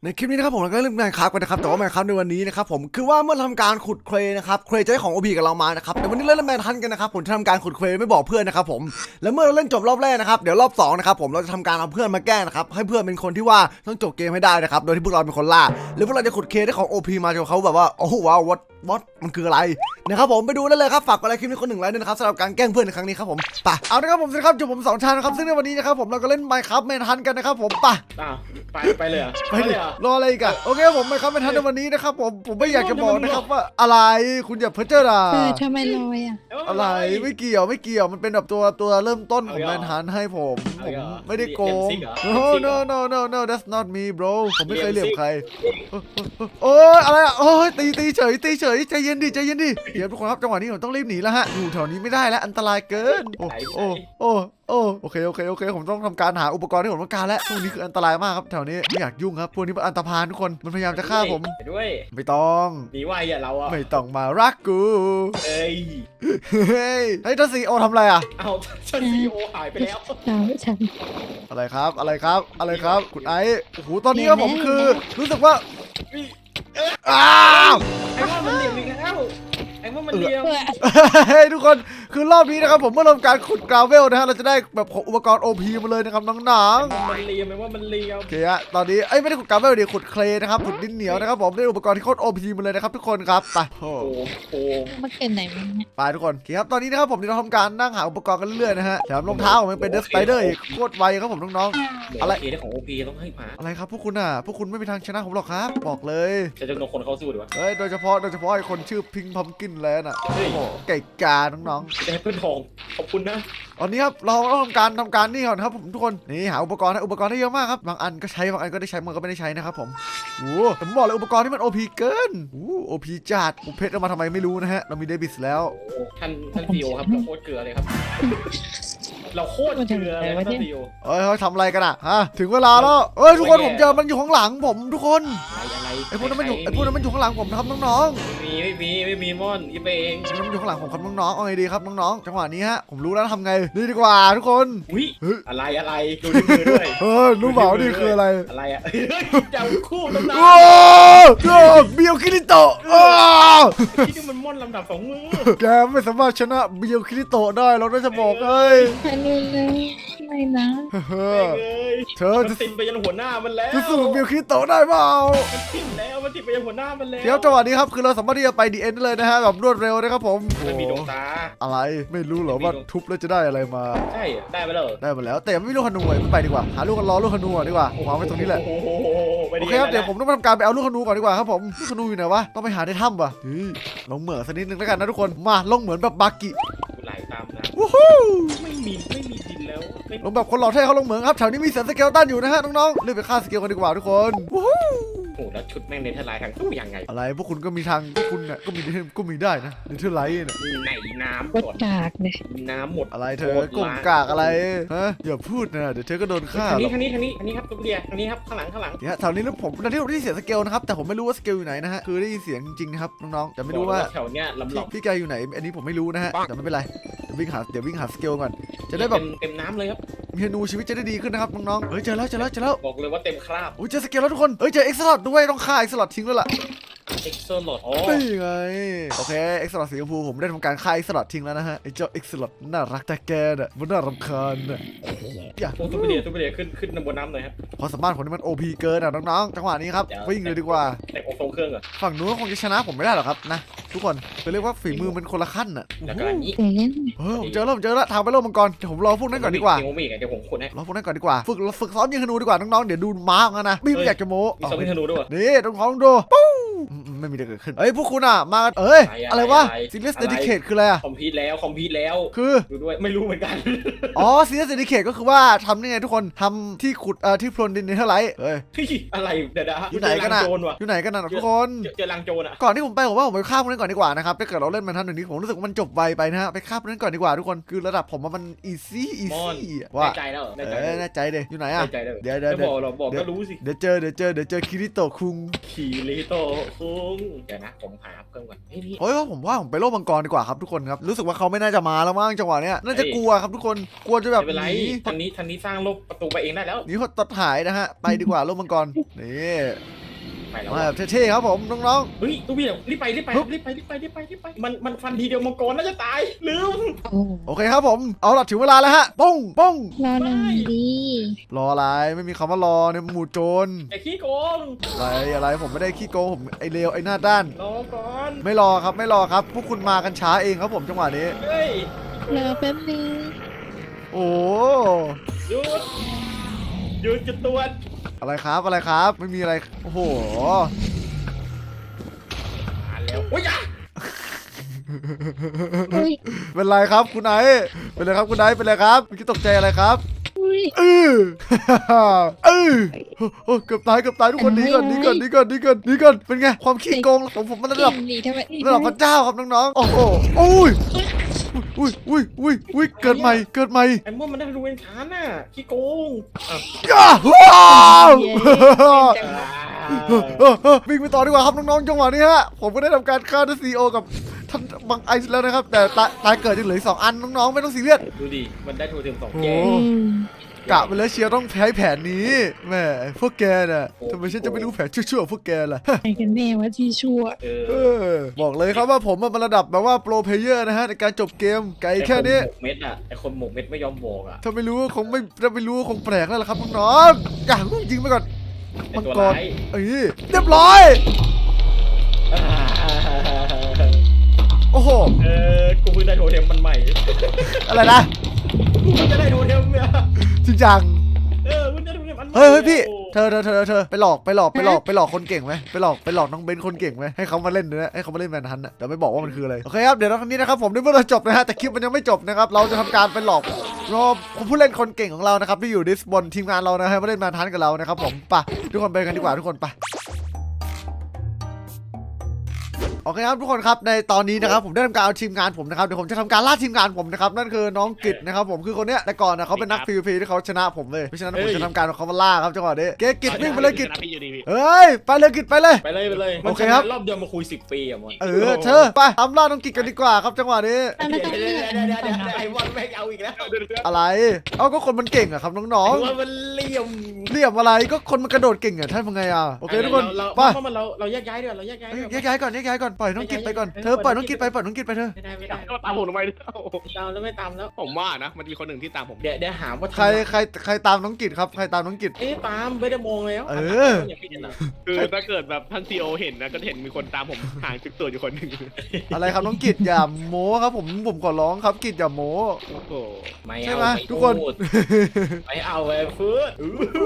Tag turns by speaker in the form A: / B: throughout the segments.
A: ในคลิปนี้นะครับผมเราก็เล่นแมนคราฟกันนะครับแต่ว่าแมนคราฟในวันนี้นะครับผมคือว่าเมื่อทำการขุดเครนะครับเครจะให้ของ OP กับเรามานะครับแต่วันนี้เล่นแมนทันกันนะครับผมจะทำการขุดเครไม่บอกเพื่อนนะครับผมแล้วเมื่อเราเล่นจบรอบแรกนะครับเดี๋ยวรอบ2นะครับผมเราจะทำการเอาเพื่อนมาแกล้งนะครับให้เพื่อนเป็นคนที่ว่าต้องจบเกมให้ได้นะครับโดยที่พวกเราเป็นคนล่าหรือพวกเราจะขุดเคได้ของ OP มาจนเขาแบบว่าโอ้โหว้าววัดมันคืออะไรนะครับผมไปดูได้เลยครับฝากกดไลค์คลิปนี้คน1 ไลค์ด้วยนะครับสำหรับการแกล้งเพื่อนในครั้งนี้ครับผมไปเอาละครับผมสวัสดีครับอยู่ผม2ชานะครับซึ่งในวันนี้นะครับผมเราก็เล่นไมค์ครับแมนทันกันนะครับผม
B: ไปเลยเหรอ
A: ไปดิรออะไรอีกอะโอเคผมไปครับเป็นทันในวันนี้นะครับผมไม่อยากจะบอกนะครับว่าอะไรคุณอย่าเพ้อเจ้อด่า
C: ทำไมลอยอ่ะ
A: อะไรไม่เกี่ยวมันเป็นแบบตัวเริ่มต้นของแมนฮันให้ผมไม่ได้โกง no that's not me bro ผมไม่เคยเหลี่ยมใครโอ้ยอะไรอะโอ้ยตีเฉยใจเย็นดิเดี๋ยวทุกคนครับจังหวะนี้ผมต้องรีบหนีแล้วฮะอยู่แถวนี้ไม่ได้แล้วอันตรายเกินโอเคผมต้องทำการหาอุปกรณ์ที่ผมต้องการแล้วพวกนี้คืออันตรายมากครับแถวนี้ไม่อยากยุ่งครับพวกนี้มันอันตรพานทุกคนมันพยายามจะฆ่าผม
B: ไปด้วย
A: ไม่ต้อง
B: หนีไวอ่ะเราอ่ะ
A: ไม่ต้องมารักกู
B: เอ้ย
A: เฮ้ยท่านซีโอทำอะไรอ่ะ
B: เอาฉันซีโอหายไปแล้ว
C: ฉัน
A: อะไรครับคุณไอซ์โอ้โหตอนนี้ครับผมคือรู้สึกว่าอ้าว
B: ไอ้ว่ามันเหลี่ยมอีกแล้วไอ้ว่ามันเหลี่ยม
A: เฮ้ยทุกคนคือรอบนี้นะครับผมเมื่อทำการขุดกราวเวลนะฮะเราจะได้แบบอุปกรณ์ OP มาเลยนะครับน้อง
B: มันเหลี่ยมไอ้ว่ามันเหลี่ยม
A: ๆโอเคฮะตอนนี้ไม่ได้ขุดกราวเวลดิขุดเคลนะครับขุดดินเหนียวนะครับผมได้อุปกรณ์ที่โคตร OP มาเลยนะครับทุกคนครับไป
B: โอ้โห
C: มาเกินไหนมันเนี่ย
A: ไปทุกคนโอเคครับตอนนี้นะครับผมจะทำการนั่งหาอุปกรณ์กันเรื่อยๆนะฮะแถมรองเท้าผมยังเป็นเดสไปเดอร์อีกโคตรไวครับผมน้องๆ
B: อะไรได้ของโอพีต้องให้มา
A: อะไรครับพวกคุณไม่มีทางชนะผมหรอกครับบอกเลย
B: จะจำนวนคนเข้าสู้ดีวะ
A: เฮ้ยโดยเฉพาะไอ้คนชื่อพิงพัมกินแล้วน่ะ
B: เฮ้ย
A: โอ้โหไก่กาน้อง
B: จะให้เพื่อนทองขอบคุณนะ
A: ๆตอนนี้ครับเราต้องทำการนี่ก่อนครับผมทุกคนนี่หาอุปกรณ์ได้เยอะมากครับบางอันก็ใช้บางอันก็ได้ใช้บางอันก็ไม่ได้ใช้นะครับผมโอ้แต่ผมบอกเลยอุปกรณ์ที่มัน OP เกินOP จัดเพชรเอามาทำไมไม่รู้นะฮะเรามีเดบิสแล้ว
B: ท่านซีโอครับเราโคตรเกลือเลยครับเราโคตรเกลือเลยท่านซีโอ
A: เฮ้ยเขาทำอะไรกันอะฮะถึงเวลาแล้วทุกคนผมเจอมันอยู่ข้างหลังผมทุกคน
B: อะไร
A: ไอ้พวกนั้นมันอยู่ข้างหลังผมนะครับน้องๆ
B: ไม่มีม่อนอีเปง
A: มันอยู่ข้างหลังผมครับน้องๆเอาไงดีครับน้องๆจังหวะนี้ฮะผมรู้แล้วทำไงนี่ดีกว่าทุกคน
B: อุ้ยอะไรดูในมือด้วย
A: รู้เปล่านี่คืออะไร
B: อะไรอ่ะจับคู่ตำนาน
A: โอ้เบียวคิริโตะ
B: ที่นี่มันม่อนลำดับ2 มือ
A: แกไม่สามารถชนะเบียวคิริโตะได้เราจะบอกเลย
C: ไปเร็วไม่นะ
A: เธอ
B: มันติดไปยันหัวหน้ามันแล้ว
A: จะสู้กับเบียวคิริโตะได้เปล่า
B: มันติดแล้วมันติดไปยันหัวหน้ามันแล้ว
A: เดี๋ยวจังหวะนี้ครับคือเราสามารถที่จะไปดีเอ็นได้เลยนะฮะแบบรวดเร็วนะครับผม
B: มันมีดวงตา
A: อะไรไม่รู้เหรอว่าทุบแล้วจะได้อะไรมา
B: ใช่ได้ไปเลย
A: ได้หมดแล้วแต่ไม่รู้ขนูไม่ไปดีกว่าหาลูกกันรอลูกขนูดีกว่าวางไว้ตรงนี้แหละ
B: โอ้โห
A: โอเคครับเดี๋ยวผมต้องทำการไปเอาลูกขนูก่อนดีกว่าครับผมลูกขนูอยู่ไหนวะต้องไปหาในถ้ำว่ะลงเหมืองสักนิดนึงแล้วกันนะทุกคนมาลงเหมือนแบบบากิ
B: ไหลตามนะ
A: วู้ฮู้
B: ไม่มีดินแล้ว
A: ลงแบบคนหล่อเท่เขาลงเหมืองครับแถวนี้มีเสือสเกลตันอยู่นะฮะน้องๆรีบไปฆ่าสเกลกันดีกว่าทุกคนวู้ฮู้
B: โอ้แล้วชุดแม่งเนเธอร์ไลน์ทางตู้ยังไง
A: อะไรพวกคุณก็มีทางพวกคุณเนี่ยก็มีได้นะเนเธอร์ไลท์เนี่ย
B: ไหนน้ำ
C: วัด
B: ก่อน
C: กากเลย
B: น้ำหมด
A: อะไรเธอกงกากอะไรฮะอย่าพูดนะเดี๋ยวเธอก็โดนฆ่า
B: ทาง
A: หร
B: นี้
A: อก
B: ทางนี้ครับตุ๊กเดียทางนี้ครับข้างหลัง
A: เนี่ยแถวนี้แล้วผมตอนที่ผมได้ยินเสียงสเกลนะครับแต่ผมไม่รู้ว่าสเกลอยู่ไหนนะฮะคือได้ยินเสียงจริงๆนะครับน้องๆแต่ไม่รู้ว่า
B: แถวเนี้ยลำหลอก
A: พี่แกอยู่ไหนอันนี้ผมไม่รู้นะฮะแต่ไม่เป็นไรเดี๋ยววิ่งหาสเกลก่อนจะได้แบบ
B: เต็มน้ำเลยครับ
A: เมนูชีวิตจะได้ดีขึ้นนะครับน้องๆเฮ้ยเจอแล้ว
B: บอกเลยว่าเต็มคราบ
A: โอ้ยเจอสเกลแล้วทุกคนเฮ้ยเจอเอ็กซ์ลอดด้วยต้องฆ่าเอ็กซ์ลอดทิ้งแล้วล่ะ
B: เอ็กโซโลดอ๋อ
A: นี่ไงโอเคเอ็กซ์ลอดสีชมพูผมได้ทำการฆ่าเอ็กซ์ลอดทิ้งแล้วนะฮะไอ้เจ้าเอ็กซ์ลอดน่ารักแต่แกน่ะมันน่ารำคาญน่ะอย่า
B: โอ้ตุ๊กเดียขึ้นบนน้ำหน่อยครับ
A: ความสามารถผมนี่มัน OP เกินอ่ะน้องๆจังหวะนี้ครับวิ่งเลยดีกว่า
B: แต่โอโซเครื่องเหรอ
A: ฝั่งนู้นคงจะชนะผมไม่ได้หรอกครับนะทุกคนคือเรียกว่าฝีมือมันคนละขั้นน่ะ
B: แล้วก็อันนี้
C: เดี๋ยวเล่น
A: ผมเจอแล้วทางไปโลกมังกรเดี๋ยวผมรอพวกนั้นก่อนดีกว่า
B: เดี๋ยวผมขุดให้
A: รอพวกนั้นก่อนดีกว่าฝึกซ้อมยิงธนูดีกว่าน้องๆเดี๋ยวดูม้าของกันนะไม่อยากจะโม้
B: มีสองธนูด้วย
A: นี่น้องๆดูปู้ไม่มีอะไรเกิดขึ้นเอ้ยพวกคุณอ่ะมาเอ้ยอะไรวะ Serious Dedicate คืออะไรอ่ะ
B: คอมพิวต์แล้ว
A: คือ
B: ดูด้วยไม่รู้เหมือนกัน
A: อ๋อ Serious Dedicate ก็คือว่าทำนี่ไงทุกคนทำที่ขุดที่พรวนดินเนเธอร์ไลท์เอ้ย
B: อะไรเดี๋ยว
A: อยู่ไหนกันน่ะ
B: โจรว่ะ
A: อยู่ไหนกันน่ะทุกคน
B: เจอลังโจรอ่ะ
A: ก่อนที่ผมไปผมว่าผมไปฆ่าพวกนั้นก่อนดีกว่านะครับถ้าเกิดเราเล่นมันทันหนึ่งนี้ผมรู้สึกว่ามันจบไวไปนะฮะไปฆ่าพวกนั้นก่อนดีกว่าทุกคนคือระดับผมมันอีซี่ว่า
B: แน่ใจแล้ว
A: แน่ใจเดยอยู่ไหนอ่ะ
B: แน่ใจแล้ว
A: เดี๋ยว
B: บอกก็รู้สิ
A: เดี๋ยวเจอคิริโตะคุง
B: ขี่ลิโต้คุงงเดี๋ยวนะผมหาเพิ่มก่อนพี่
A: เฮ้ยผมว่าผมไปโลกมังกรดีกว่าครับทุกคนครับรู้สึกว่าเขาไม่น่าจะมาแล้วมั้งจังหวะเนี้ยน่าจะกลัวครับทุกคนกลัวจะแบบ
B: ไม่เป็นไร
A: หนี
B: ทางนี้สร้างโลกประตูไปเองได้แล้ว
A: หนีหดตัดหายนะฮะไปดีกว่าโลกมังกรนี่
B: ไปแล้ว
A: มาแบบเท่ๆครับผมน้อง
B: เฮ้ยตู้พี่รีบไปมันฟันทีเดียวมังกรน่าจะตายลืม
C: โอ้
A: ๆโอเคครับผมเอาล่ะถึงเวลาแล้วฮะป้องป้อง
C: รอหนึ่งดี
A: รออะไรไม่มีคำว่ารอในหมู่โจร
B: ไอ้ขี้โกง
A: อะไรผมไม่ได้ขี้โกงผมไอเลวไอหน้าด้าน
B: รอก่อน
A: ไม่รอครับไม่รอครับพวกคุณมากันช้าเองครับผมจังหวะนี้
B: เฮ้ย
C: รอแป๊บนึง
A: โอ้
B: หยุดจุดตรวจ
A: อะไรครับอะไรครับไม่มีอะไรโอ้โห
B: อ่านแล้วโอ้ยยะ
C: อุ้ย
A: เป็นไรครับคุณไอเป็นไรครับคุณไอเป็นไรครับเมื่อกี้ตกใจอะไรครับ
C: อุ้ย
A: เออเออโอ้เกือบตายทุกคนหนีก่อนเป็นไงความขี้โกงของผมมันระ
C: เก่
A: ดับ
C: งดีทำไม
A: ระดับพระเจ้าครับน้องๆโอ้โหอุ้ยเกิดใหม่
B: ไอ้ม่วมันได้รูเอนชานน่ะขี้โกง
A: ย่าว้าว
B: จังหวะ
A: วิ่งไปต่อดีกว่าครับน้องๆจังหวะนี้ฮะผมก็ได้ทำการฆ่าท่านซีโอกับท่านบังไอซ์แล้วนะครับแต่ตายเกิดยังเหลืออีก2 อันน้องๆไม่ต้องซีเรียส
B: ดูดิมันได้ทูเทม2
A: โอ้
B: แก
A: กะไปแล้วเชียร์ต้องใช้แผนนี้แหมพวกแกน่ะทำไมฉันจะไม่รู้แผนชั่วๆพวกแกล่ะ
C: ใครกันแน่ว่าที่ชั่ว
A: บอกเลยครับว่าผมมันระดับแบบว่าโปรเพลเยอร์นะฮะในการจบเกมไกลแค่นี้
B: เม็ดอ่ะไอ้คนหมกเม็ดไม่ยอมบอกอ่ะ
A: ถ้าไม่รู้คงแปลกแล้วล่ะครับน้องๆอย่างยิงไปก่อน
B: ไอ้
A: มัง
B: ตัว
A: กร
B: ร้าย
A: เอ้ยเรียบร้อย โอ้โห
B: กูเพิ่งได้โทเทมมันใหม่
A: อะไรนะ
B: กูเพิ่งจะได้โทเทมเนี่ย
A: จริงจัง
B: เพิ่งได้โทเทมอันใหม่
A: เฮ้ยพี่เธอไปหลอกคนเก่งไหมไปหลอกน้องเบนคนเก่งไหมให้เขามาเล่นนะให้เขามาเล่นแมนฮันต์นะเดี๋ยวไม่บอกว่ามันคืออะไรโอเคครับเดี๋ยวครั้งนี้นะครับผมได้เมื่อเราจบนะฮะแต่คลิปมันยังไม่จบนะครับเราจะทำการไปหลอกรอบผู้เล่นคนเก่งของเรานะครับที่อยู่ดิสบนทีมงานเรานะฮะมาเล่นแมนฮันต์กับเรานะครับผมไปทุกคนไปกันดีกว่าทุกคนไปโอเคครับทุกคนครับในตอนนี้นะครับผมได้ทำการเอาทีมงานผมนะครับเดี๋ยวผมจะทำการล่าทีมงานผมนะครับนั่นคือน้องกิตนะครับผมคือคนเนี้ยแต่ก่อนนะเขาเป็นนัก PVP ที่เขาชนะผมเลยเพราะฉะนั้นผมจะทำการเอาเขามาล่าครับจังหวะนี้เกกิตวิ่งไปเลยกิตเฮ้ยไปเลยกิตไปเลย
B: ไปเลย
A: โอเคครับ
B: รอบเดียวมาคุย10 ปีอ่ะมอน
A: เธอไปทำล่าน้องกิตกันดีกว่าครับจังหวะนี้
C: ไม่ต้องเลือก
B: ไอ้มอนแม่งเอาอีกแล้ว
A: อะไรเอาก็คนมันเก่งอะครับน้อง
B: ไอ้มอนมันเหลี่ยม
A: ๆเรียบอะไรก็คนมันกระโดดเก่งอะท่านเป็นไงอะโอเคทุกคน
B: เรา
A: ไป
B: เราแยกย้ายด้วยเราแยกย้ายด้วย
A: แยกย้ายก่อนปล่อยน้องกิตไปก่อนเธอปล่อยน้องกิตไปเธอ
B: ไม่ได้
D: ก็ตามผมทำไมเนี่ย
B: ตามแล้วไม่ตามแล้ว
D: ผมว่านะ มันมีคนหนึ่งที่ตามผม
B: เดี๋ยวหาว่า
A: ใครตามน้องกิตครับใครตามน้องกิต
B: ตามไม่ได้มองแล้ว
D: คือถ้าเกิดแบบท่านซีโอเห็นนะ ก็เห็นมีคนตามผมห่างจุดตัวอยู่คนหนึ่ง
A: อะไรครับน้องกิตอย่าโม้ครับผมขอร้องครับกิตอย่าโม้
D: โอ้โห
A: ใช่ไหมทุกคน
B: ไม่เอาไอ้ฟืด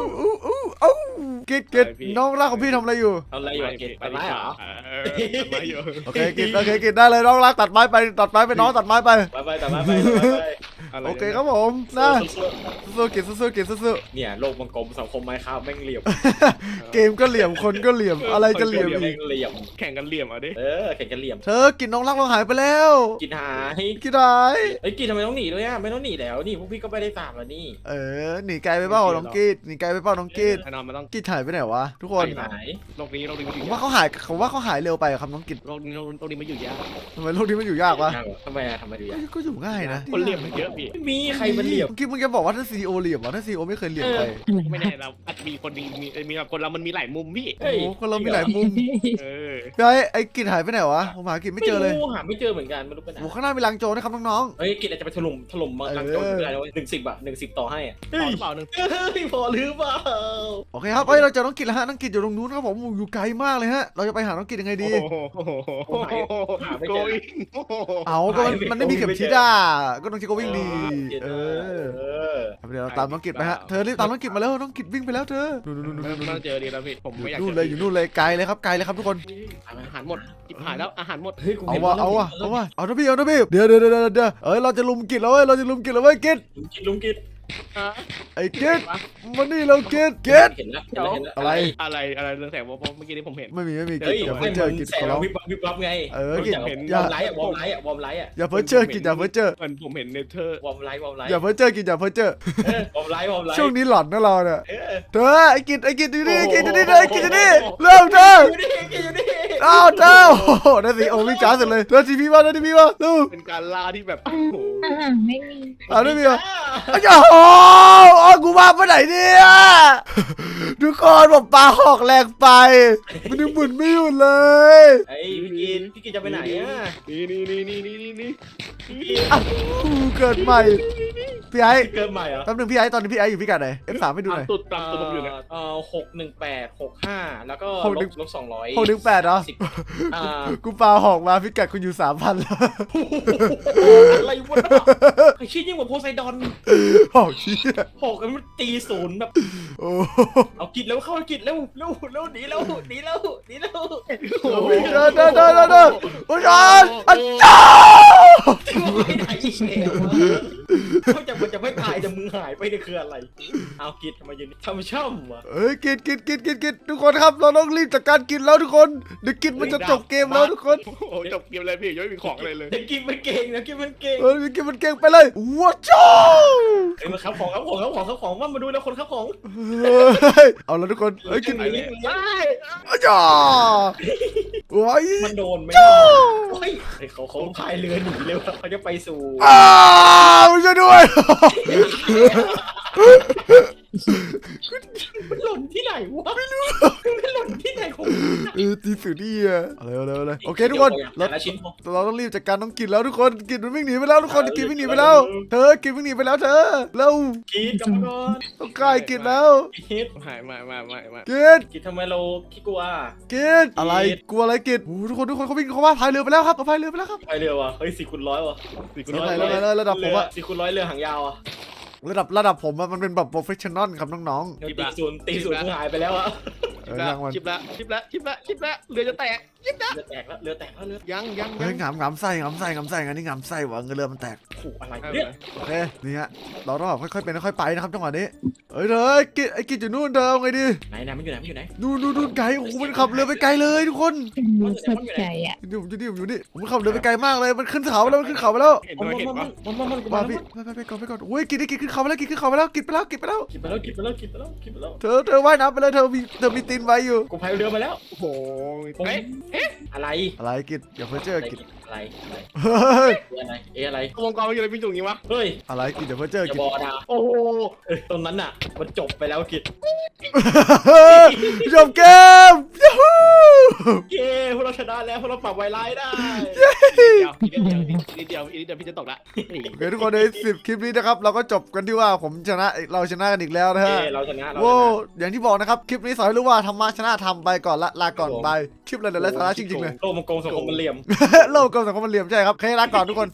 A: กิตน้องรักของพี่ทำอะไรอยู่
B: เอาอะไรอยู่กินไปไหมเหรอ
D: ตัดไม้อยู่
A: โอเคกิตได้เลยน้องรักตัดไม้ไปน้องตัดไม้ไป
B: ไปแต่มาไป
A: โอเคครับผมนะสู้กิตสู้
B: เนี่ยโลกมังกรสังคมไม้ข้าวแม่งเหลี่ยม
A: เกมก็เหลี่ยมคนก็เหลี่ยมอะไรจะเหลี่ยม
B: แม่
A: อีก
B: งเหลี่ยม
D: แข่งกันเหลี่ยมเอาดิ
B: แข่งกันเหลี่ยม
A: เธอกินน้องรักเราหายไปแล้ว
B: กินหาย
A: กินหาย
B: ไอ้กินทำไมต้องหนีด้วยอ่ะไม่ต้องหนีแล้วนี่พวกพี่ก็ไม่ได้ตามแล้วนี่
A: หนีไกลไปเปล่าน้องกิดหนีไกลไปเปล่าน้องกิด
D: แน่นอนมันต้อง
A: กิดหายไปไหนวะทุกคน
B: หาย
D: โลกนี้มันอ
A: ผ
D: ยู่
A: ม
D: ยา
A: ว่าก เขาหายเร็วไปครับน้องกิด
D: โลกนี้มันอยู่ยาก
A: ทำไมโลกนี้มันอยู่ยากวะ
B: ทำไมทำไมดูยาก
A: ก็อยู่ง่ายนะ
D: คนเหลี่ยมมันเยอะพี่
B: ไม่มีใครมันเหลี่ยม
A: กิดมึงจะบอกว่าถ้าซีโอเหลี่ยมวะถ้าซีโอไม่เคยเหลี่ยมใคร
D: ไม่แน่เราอาจมีคนมีคนเรามันมีหลายมุมพี่
A: โอ้โหคนเรามีหลายมุม ไอ้กิดหายไปไหนวะผมหากิดไม่เจอเลย
B: หาไม่เจอเหมือนกันไม่รู้ไปไหน
A: โอ้ข้างหน้ามีลังโจรนะครับน้อง
B: เฮ้ยกินอาจจะไปถล่มลังโจรไม่ได้เลย110 110 ต่อให้อ่ะ
D: พอหรือเปล่าหนึ่ง
B: พอหรือเปล่า
A: ๆโอเคครับเราเจอน้องกิดแล้วฮะน้องกิดอยู่ตรงนู้นครับผมอยู่ไกลมากเลยฮะเราจะไปหาน้องกิดยังไงดี
D: โกย
A: เอาก็มันไม่มีเข็มทิศอ่ะก็ต้องใช้ก็วิ่งดีเดี๋ยวเราตามน้องกิดไปฮะเธอรีบตามน้องกิดมาแล้วน้องกิดวิ่งไปแล้วเธอนู่น
D: ไม่ต้องเจอดีแล้วพี่ผมไม่อยาก
A: นู่นเลยอยู่นู่นเลยไกลเลยครับทุกคน
D: อาหารหมดจิบหายแล้วอาหารหมด
B: เฮ้ย
A: เอานะพี่เดี๋ยวเราจะลุมกิดแล้วเว้ยกิด
B: ลุงกิด
A: ไอ้กิดมานี่เรากิด
B: เห็นแล้ว
D: อะไรเรื่องแสงเพราะเมื่อกี้นี้ผมเห็น
A: ไม่มีกิด
B: เฮ้ย
A: อย่าเพิ่งเจอกิด
B: แส
A: ขอร้อง
B: วิบวับไงเห็นวอร์มไลท์วอร์มไลท์
A: อย่าเพิ่งเจอกิดอย่าเพิ่งเจอ
D: มันผมเห็นเนเธอร์
B: วอร์มไลท์
A: อย่าเพิ่งเจอกิดอย่าเพิ่งเจอ
B: วอร์มไลท์
A: ช่วงนี้หลอนนะเราเนี่ยเธอไอ้กิดดูนี่เริ่มเธอ
B: อยู่นี่
A: อ้าวเจ้าโอ้โหได้สิโอ้วิ่งจ้าเสร็จเลยเดินทีพีมาเดินทีพีมาดู
D: เป็นการล่าที่แบบโอ้โห
C: ไม่มี
A: ไม่มีเหรออ้าวโอ้โหกูมาไปไหนเนี่ยทุกคนผมปลาหอกแรงไปมันยังหมุนไม่หยุดเลย
B: ไอ้พี่กินจะไปไหนอ่ะ
D: นี่
A: เกิดใหม่พี่ไอ้
B: เกินใหม่เหรอ
A: แป๊บนึงพี่ไอ้ตอนนี้พี่ไอ้อยู่พิกัดไหน F3 ให้ดูหน่อย
D: ตุดตามตุดผมอยู่เนี่ย
B: 61865แล้วก็
A: หกหนึ่ง
B: ลบ200
A: 618เหรอ
B: อ่า
A: กูปลาหอกมาพิกัดคุณอยู่ 3,000แล้ว
B: อะไรวะไอ้ชิ้นยิ่งกว่าโพไซดอน
A: หอกชี้ย
B: หกกันมันตีศูนย์แบบ
A: โอ้
B: เอากิดแล้วเข้ากิดแล้วเร็วหนีแล้วหนีแล้ว
D: โอ้โห
A: เดินโอ้ยอาจารย์
B: ไม่ได้อีกแล้วเขาจะไม่ตายแต่มึงหายไปนี่คืออะไรเอากิดทำไมยืนช่ำวะ
A: เอ้ยกินทุกคนครับเราต้องรีบจัดการกินแล้วทุกคนเดี๋ยวกินมันจะจบเกมแล้วทุกคน
D: โอ้โหจบเกมเลยพี่ยังไม่มีของอะไรเลย
B: เดี๋ยวกินมันเก่งนะกินมันเก่ง
A: กินมันเก่งไปเลยว้าวจ้า
B: เอ้ยมาครับของว่ามาดูแล้วคนครับของ
A: เอาแล้วทุกคนเอ้ยกิน
B: ไปเลย
A: อาจารย์ว้าย
B: มันโดนไหมโอ้ยเขาพายเรือหนีเร็วเขาจะไปสู่
A: มันช่วยด้วย
B: มันหล่นที่ไหนวะไม่รู้มันหล่นที่ไหนของ
A: ตีสื่อดีอะอะไรโอเคทุกคนเรา
B: แต่ละชิ้น
A: เราต้องรีบจัดการน้องกินแล้วทุกคนกินมันวิ่งหนีไปแล้วทุกคนกินวิ่งหนีไปแล้วเธอกินวิ่งหนีไปแล้วเธอเร็ว
B: กินกลับมาก่อน
A: ต้องกายกินแล้ว
B: กิน
D: หายมา
A: กิน
B: กินทำไมเราขี้กลัว
A: กินอะไรกลัวอะไรกินโอ้ทุกคนเขาวิ่งเขาว่าพายเรือไปแล้วครับเขาพายเรือไปแล้วครับ
B: พายเรือวะเฮ้ย4x100วะ
A: ระดับผมอะ
B: 4x100เรือหางยาวอะ
A: ระดับผมอะมันเป็นแบบโปรเฟชชั่นอลครับน้อง
B: เดี๋ยวตีศูนย์มึงหายไปแล้วอะ
A: ๆเรื่องมัน
D: ชิบละเรือจะแตก
B: เรือแตกแล้วเรือ
D: ยัง
A: เฮ้ยงามไส้งานนี้งามไส้หวังเรือมันแตก
B: ขู่อะไรเนี่ย
A: โอเคนี่ฮะเราต้องแบบค่อยๆเป็นค่อยๆไปนะครับจังหวะนี้เฮ้ยเธอไอ้กินอยู่นู่นเธอเอาไงดี
B: ไหนมันอยู่ไหน
A: นู่นไกลโอ้โหมันขับเรือไปไกลเลยทุกคน
C: เป็นมือสดใจอ่ะ
A: อยู่นี่ผมขับเรือไปไกลมากเลยมันขึ้นเขาไปแล้วมันขึ้นเขาไปแล้ว
D: เห็น
B: มัน
D: ปะ
A: มาพี่ไปก่อนโอ้ยกินขึ้นเขาไปแล้วกินขึ้นเขาไปแล้วกินไปแล้ว
B: กินไปแล้ว
A: เธอว่ายน้ำไปเลยเธอมีตีนไว้อยู่
B: กูพายเรือมาแล้ว
D: โอ้โหเอ๊ะ
B: อะไร
A: อะไรกินอย่าเพ้อเจ้อกิน
B: อะไร
A: เฮ้ย
B: อะไร
D: วงกลมมันอยู่ในพิงจุงนี้วะ
B: เฮ้ย
A: อะไรกินอย่าเพ้อเจ้อ
B: อย่า
A: กิน
B: บอกนะ
D: โอ้โห
B: ตรงนั้นน่ะมันจบไปแล้วกิจ
A: จบเกมยูฮู
B: เย้พวกเราชนะแล้วพวกเราปรับไวไลท์ได้
D: นิดเดียวพี่จะตกละ
A: โอเคทุกคนใน10คลิปนี้นะครับเราก็จบกันที่ว่าผมชนะเราชนะกันอีกแล้วนะฮะ
B: เราชนะ
A: โว้อย่างที่บอกนะครับคลิปนี้สอนให้รู้ว่าธรรมะชนะธรรมไปก่อนลาก่อนไปคลิปอะไรเดี๋ยวไร้สาระจริงๆเลย
B: โลกมังกรสังคมมันเหลี่ยม
A: โลกกลมสังคมมันเหลี่ยมใช่ครับโอเคลาก่อนทุกคน